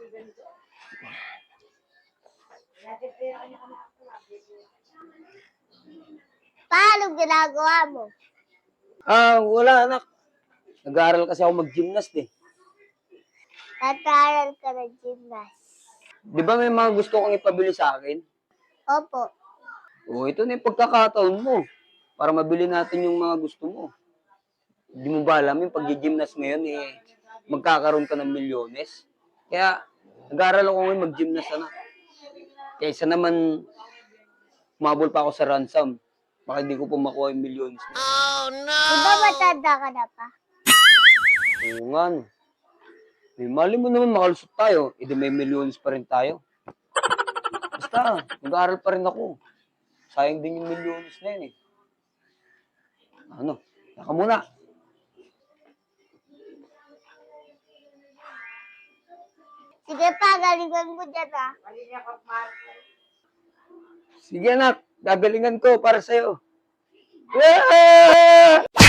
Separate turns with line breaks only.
Paano ginagawa mo?
Wala anak. Nag-aaral kasi ako mag-gymnast eh.
Nag-aaral ka ng gymnast.
Di ba may mga gusto kong ipabili sa akin?
Opo.
Ito na yung pagkakataon mo. Para mabili natin yung mga gusto mo. Hindi mo ba alam yung pag-gymnast ngayon magkakaroon ka ng milyones? Kaya nag-aaral ako ngayon mag-gymnast anak. Kaysa naman umabol pa ako sa ransom. Baka hindi ko pa makuha yung milyones.
Oh, no! Di ba matanda ka na pa?
Oo nga no. Mali mo naman makalusot tayo. May milyones pa rin tayo. Basta, nag-aaral pa rin ako. Sayang din yung milyones na yun eh. Naka muna.
Sige pa, galingan mo dyan ah.
Sige anak, gagalingan ko para sa'yo. Yeah!